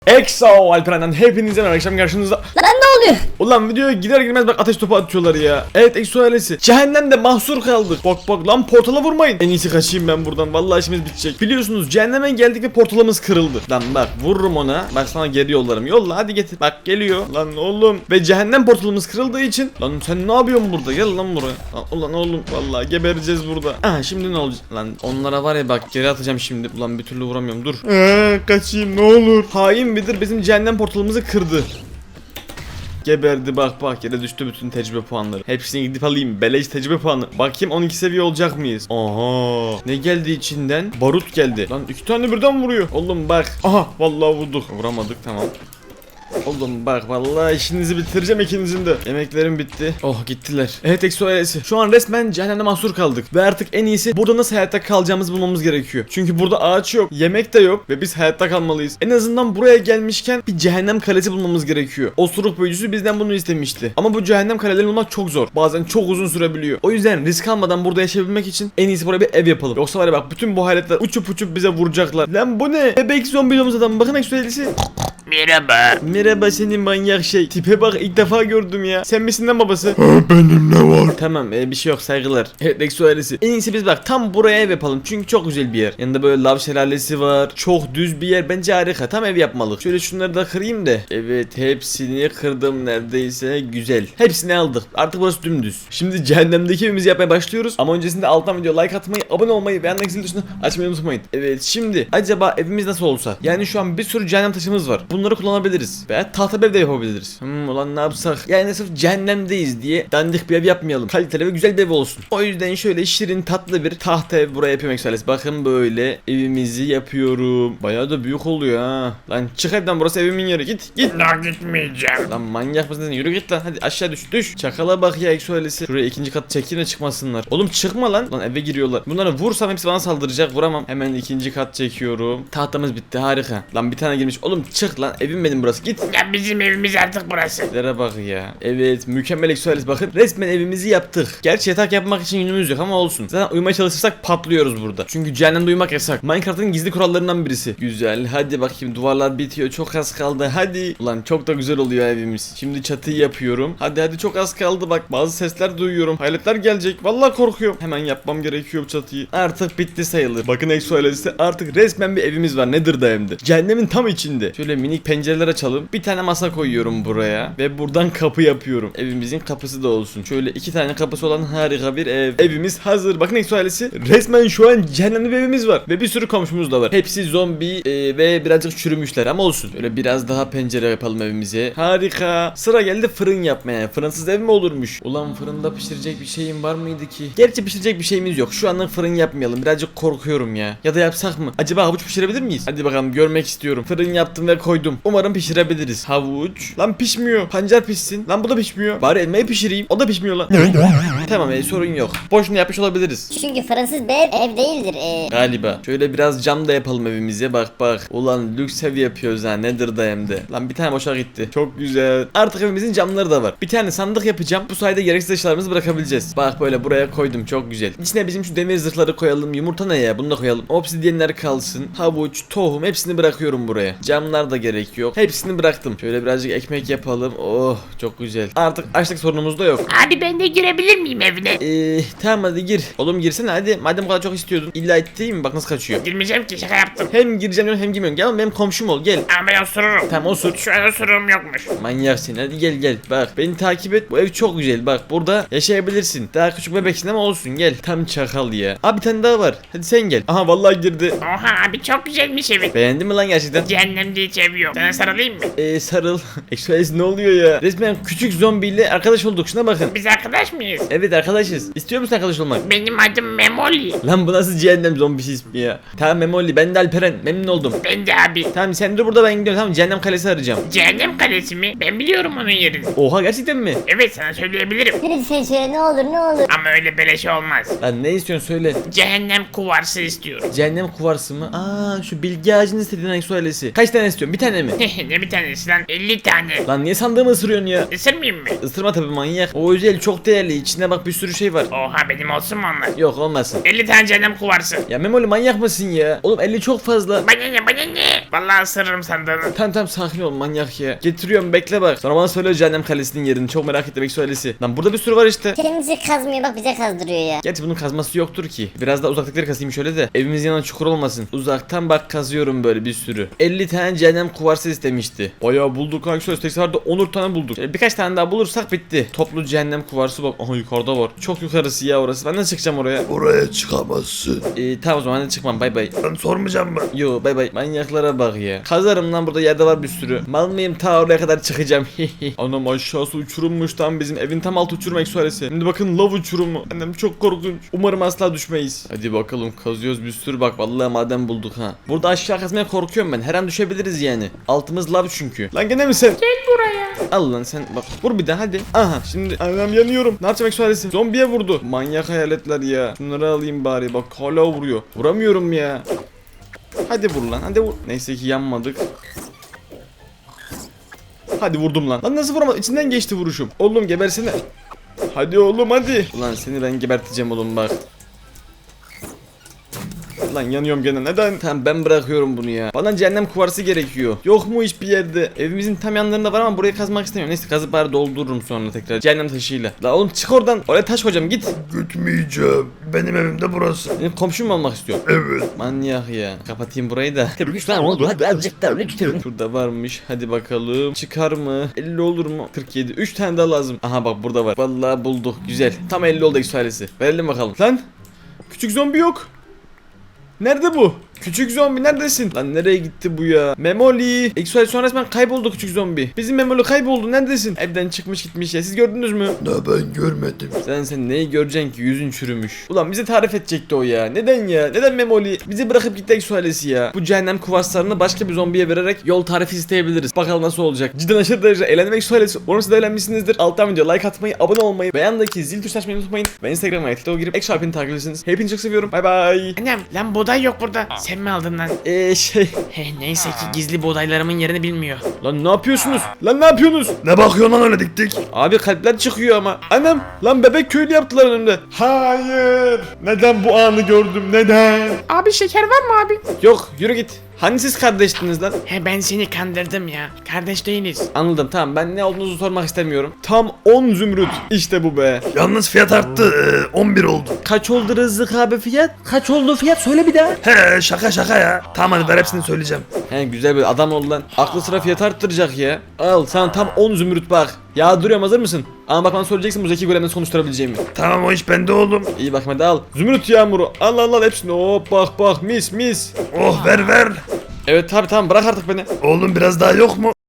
Exo Alperen'den hepinize merhaba, akşam karşınızda. Lan ne oluyor? Ulan videoya gider girmez bak ateş topu atıyorlar ya. Evet Exo ailesi, cehennemde mahsur kaldık. Bak lan, portala vurmayın. En iyisi kaçayım ben buradan, vallahi işimiz bitecek. Biliyorsunuz cehenneme geldik ve portalımız kırıldı. Lan bak, vururum ona. Bak sana geri yollarım. Yolla hadi getir. Bak geliyor lan oğlum. Ve cehennem portalımız kırıldığı için. Lan sen ne yapıyorsun burada? Gel lan buraya. Lan, ulan oğlum, vallahi gebereceğiz burada. Aha, şimdi ne olacak? Lan onlara var ya, bak geri atacağım şimdi. Ulan bir türlü vuramıyorum, dur. Kaçayım ne olur. Hain Bedir bizim cehennem portalımızı kırdı. Geberdi, bak yere düştü bütün tecrübe puanları. Hepsini gidip alayım, beleş tecrübe puanı. Bakayım 12 seviye olacak mıyız? Aha, ne geldi içinden? Barut geldi. Lan 2 tane birden vuruyor. Oğlum bak. Aha, vallahi vurduk. Vuramadık, tamam. Oğlum bak, vallahi işinizi bitireceğim ikinizin de. Yemeklerim bitti. Oh, gittiler. Evet Exo ailesi, şu an resmen cehennemde mahsur kaldık. Ve artık en iyisi burada nasıl hayatta kalacağımızı bulmamız gerekiyor. Çünkü burada ağaç yok, yemek de yok ve biz hayatta kalmalıyız. En azından buraya gelmişken bir cehennem kalesi bulmamız gerekiyor. Osuruk büyücüsü bizden bunu istemişti. Ama bu cehennem kalelerini bulmak çok zor. Bazen çok uzun sürebiliyor. O yüzden risk almadan burada yaşayabilmek için en iyisi buraya bir ev yapalım. Yoksa var ya bak, bütün bu hayaletler uçup bize vuracaklar. Lan bu ne? Bebek zombi domuz adam. Bakın Exo ailesi. Merhaba. Merhaba senin manyak şey. Tipe bak, ilk defa gördüm ya. Sen misin lan babası? Benim ne var? Tamam, bir şey yok, saygılar. Evet Exo ailesi, en iyisi biz bak tam buraya ev yapalım. Çünkü çok güzel bir yer. Yanında böyle lav şelalesi var. Çok düz bir yer, bence harika. Tam ev yapmalık. Şöyle şunları da kırayım da. Evet, hepsini kırdım neredeyse. Güzel. Hepsini aldık. Artık burası dümdüz. Şimdi cehennemdeki evimizi yapmaya başlıyoruz. Ama öncesinde alttan video like atmayı, abone olmayı ve yanındaki zil tuşunu açmayı unutmayın. Evet, şimdi acaba evimiz nasıl olsa? Yani şu an bir sürü cehennem taşımız var. Bunları kullanabiliriz. Veya tahta ev de yapabiliriz. Ulan ne yapsak? Yani sırf cehennemdeyiz diye dandik bir ev yapmayalım. Kaliteli ve güzel bir ev olsun. O yüzden şöyle şirin tatlı bir tahta ev buraya yapıyorum Exo. Bakın böyle evimizi yapıyorum. Bayağı da büyük oluyor ha. Lan çık evden, burası evimin yeri. Git. La gitmeyeceğim. Lan manyak mısın sen? Yürü git lan. Hadi aşağı düş. Çakala bak ya Exo ailesi. Şuraya ikinci kat çekeyim de çıkmasınlar. Oğlum çıkma lan. Lan eve giriyorlar. Bunları vursam hepsi bana saldıracak. Vuramam. Hemen ikinci kat çekiyorum. Tahtamız bitti, harika. Lan bir tane girmiş. Oğlum çık lan. Evim benim burası. Git. Ya bizim evimiz artık burası. Lere bak ya. Evet, mükemmel Exo ailesi, bakın resmen evimizi yaptık. Gerçi yatak yapmak için yünümüz yok ama olsun. Zaten uyumaya çalışırsak patlıyoruz burada. Çünkü cehennemde uyumak yasak. Minecraft'ın gizli kurallarından birisi. Güzel, hadi bakayım, duvarlar bitiyor, çok az kaldı, hadi. Ulan çok da güzel oluyor evimiz. Şimdi çatıyı yapıyorum. Hadi çok az kaldı, bak bazı sesler duyuyorum. Hayaletler gelecek, vallahi korkuyorum. Hemen yapmam gerekiyor bu çatıyı. Artık bitti sayılır. Bakın Exo ailesi, artık resmen bir evimiz var. Nedir da hem de. Cehennemin tam içinde. Şöyle minik pencereler açalım. Bir tane masa koyuyorum buraya ve buradan kapı yapıyorum. Evimizin kapısı da olsun. Şöyle 2 tane kapısı olan harika bir ev. Evimiz hazır. Bakın Exo ailesi, resmen şu an cehennemde bir evimiz var ve bir sürü komşumuz da var. Hepsi zombi ve birazcık çürümüşler ama olsun. Şöyle biraz daha pencere yapalım evimize. Harika. Sıra geldi fırın yapmaya. Fırınsız ev mi olurmuş? Ulan fırında pişirecek bir şeyim var mıydı ki? Gerçi pişirecek bir şeyimiz yok. Şu anlık fırın yapmayalım. Birazcık korkuyorum ya. Ya da yapsak mı? Acaba havuç pişirebilir miyiz? Hadi bakalım, görmek istiyorum. Fırın yaptım ve koydum. Umarım pişirebiliriz. Havuç. Lan pişmiyor. Pancar pişsin. Lan bu da pişmiyor. Bari elmayı pişireyim. O da pişmiyor lan. Tamam, sorun yok. Boşuna yapmış olabiliriz. Çünkü fırınsız bir ev değildir. Galiba. Şöyle biraz cam da yapalım evimize. Bak. Ulan lüks ev yapıyoruz ha. Nedir da hem de. Lan bir tane boşa gitti. Çok güzel. Artık evimizin camları da var. Bir tane sandık yapacağım. Bu sayede gereksiz eşyalarımızı bırakabileceğiz. Bak böyle buraya koydum. Çok güzel. İçine bizim şu demir zırhları koyalım. Yumurta ne ya? Bunu da koyalım. Obsidyenler kalsın. Havuç, tohum, hepsini bırakıyorum buraya. Camlar da gerek yok. Hepsini bıraktım. Şöyle birazcık ekmek yapalım. Oh, çok güzel. Artık açlık sorunumuz da yok. Abi ben de girebilir miyim evine? Tamam hadi gir. Oğlum girsene hadi. Madem bu kadar çok istiyordun. İlla ettiğim mi? Bak nasıl kaçıyor. Girmeyeceğim ki, şaka yaptım. Hem gireceğim diyorsun hem girmiyorsun. Gel oğlum, benim komşum ol, gel. Ama ben osururum. Tamam osur. Şu an osururum yokmuş. Manyak seni, hadi gel. Bak beni takip et. Bu ev çok güzel. Bak burada yaşayabilirsin. Daha küçük bebeksin ama olsun, gel. Tam çakal ya. Abi bir tane daha var. Hadi sen gel. Aha vallahi girdi. Oha abi, çok güzelmiş evin. Beğendin mi lan gerçekten? Cehennemde hiç ev yok. Sana sarılayım mı? Sarıl. Express ne oluyor ya? Resmen küçük zombiyle arkadaş olduk. Şuna bakın. Biz arkadaş mıyız? Evet arkadaşız. İstiyor musun arkadaş olmak? Benim adım Memoli. Lan bu nasıl cehennem zombisi ismi ya? Tamam Memoli, ben de Alperen. Memnun oldum. Ben de abi. Tamam sen dur burada, ben gidiyorum. Tamam, cehennem kalesi arayacağım. Cehennem kalesi mi? Ben biliyorum onun yerini. Oha, gerçekten mi? Evet, sana söyleyebilirim. Lütfen söyle, ne olur ne olur. Ama öyle beleş olmaz. Lan ne istiyorsun söyle. Cehennem kuvarsı istiyorum. Cehennem kuvarsı mı? Aa, şu bilgi ağacını istediğin Exo ailesi. Kaç tane istiyorsun? Bir tane tane mi? Ne bir tanesi lan? 50 tane. Lan niye sandığımı ısırıyorsun ya? Isırmayayım mı? Isırma tabii manyak. O özel çok değerli. İçinde bak bir sürü şey var. Oha benim olsun mu onlar? Yok olmasın. 50 tane cehennem kuvarsı. Ya Memoli manyak mısın ya? Oğlum 50 çok fazla. Bana ne bana ne? Vallahi ısırırım sandığını. Tamam sakin ol manyak ya. Getiriyorum bekle bak. Sonra bana söyle cehennem kalesinin yerini. Çok merak ettim söylesi. Lan burada bir sürü var işte. Kendisi kazmıyor bak bize kazdırıyor ya. Gerçi bunun kazması yoktur ki. Biraz daha uzaktakileri kazayım şöyle de. Evimizin yanına çukur olmasın. Uzaktan bak kazıyorum böyle bir sürü. 50 tane cehennem kuvarsı istemişti. Bayağı bulduk kanka şöyle tekrar 10 tane bulduk. Birkaç tane daha bulursak bitti. Toplu cehennem kuvarsı bak. Aha yukarıda var. Çok yukarısı ya orası. Ben nasıl çıkacağım oraya? Oraya çıkamazsın. Tamam o zaman hadi çıkmam bay bay. Ben sormayacağım mı? Yo bay bay. Manyaklara bak ya. Kazarım lan burada yerde var bir sürü. Mal mıyım ta oraya kadar çıkacağım. Anam aşağısı uçurummuş tam bizim evin tam altı uçurum eksualesi. Şimdi bakın lav uçurumu. Annem çok korkunç. Umarım asla düşmeyiz. Hadi bakalım kazıyoruz bir sürü bak vallahi maden bulduk ha. Burada aşağı kazmaya korkuyorum ben. Her an düşebiliriz yani. Altımız lav çünkü. Lan gene mi sen? Gel buraya. Al lan sen bak vur bir daha hadi. Aha şimdi anam yanıyorum. Ne yapacağım eksualesi? Zombiye vurdu. Manyak hayaletler ya. Şunları alayım bari bak hala vuruyor. Vuramıyorum ya. Hadi vur lan hadi vur. Neyse ki yanmadık. Hadi vurdum lan. Lan nasıl vuramadım? İçinden geçti vuruşum. Oğlum gebersene. Hadi oğlum hadi. Ulan seni ben geberteceğim oğlum bak. Lan yanıyorum gene neden? Tamam ben bırakıyorum bunu ya. Bana cehennem kuvarsı gerekiyor. Yok mu hiçbir yerde? Evimizin tam yanlarında var ama burayı kazmak istemiyorum. Neyse kazıp bari doldururum sonra tekrar cehennem taşıyla. La oğlum çık oradan. Oraya taş koyacağım git. Gitmeyeceğim. Benim evimde burası. Benim komşum mu olmak istiyor? Evet. Manyak ya. Kapatayım burayı da. Lütfen oldu hadi azıcık daha lütfen. Şurada varmış. Hadi bakalım. Çıkar mı? 50 olur mu? 47. 3 tane daha lazım. Aha bak burada var. Vallahi bulduk. Güzel. Tam 50 oldu eksualesi. Verelim bakalım. Lan. Küçük zombi yok. Nerede bu? Küçük zombi neredesin? Lan nereye gitti bu ya? Memoli. Exual sonra resmen kayboldu küçük zombi. Bizim Memoli kayboldu. Neredesin? Evden çıkmış gitmiş ya. Siz gördünüz mü? Ne ben görmedim. Sen neyi göreceksin ki? Yüzün çürümüş. Ulan bize tarif edecekti o ya. Neden ya? Neden Memoli? Bizi bırakıp gitti Exualesi ya. Bu cehennem kuvarslarını başka bir zombiye vererek yol tarifi isteyebiliriz. Bakalım nasıl olacak. Cidden aşırı derece eğlendim Exualesi. Umarım siz de eğlenmişsinizdir. Alttan video like atmayı, abone olmayı ve yandaki zil tuşuna açmayı unutmayın. Ve Instagram'a TikTok'a girip Exualesi'ni takip edersiniz. Hepinizi çok seviyorum. Bay bay. Annem lan buğday yok burada. Sen mi aldın lan? Neyse ki gizli buğdaylarımın yerini bilmiyor. Lan ne yapıyorsunuz? Lan ne yapıyorsunuz? Ne bakıyorsun lan öyle dik dik? Abi kalpler çıkıyor ama. Annem lan bebek köylü yaptılar önümde. Hayır. Neden bu anı gördüm? Neden? Abi şeker var mı abi? Yok yürü git. Hani siz kardeştiniz lan? Ben seni kandırdım ya. Kardeş değiliz. Anladım tamam ben ne olduğunuzu sormak istemiyorum. Tam 10 zümrüt. İşte bu be. Yalnız fiyat arttı. 11 oldu. Kaç oldu Rızık abi fiyat? Kaç oldu fiyat söyle bir daha. He şaka ya. Tamam hadi ver hepsini söyleyeceğim. He güzel bir adam ol lan. Aklı sıra fiyat arttıracak ya. Al sana tam 10 zümrüt bak. Ya duruyorum hazır mısın? Ama bak bana söyleyeceksin bu zeki golemden sonuçturabileceğimi. Tamam o iş bende oğlum. İyi bak hadi al. Zümrüt yağmuru. Al al al hepsini. Hop bak mis mis. Oh ver. Evet tabi tamam bırak artık beni. Oğlum biraz daha yok mu?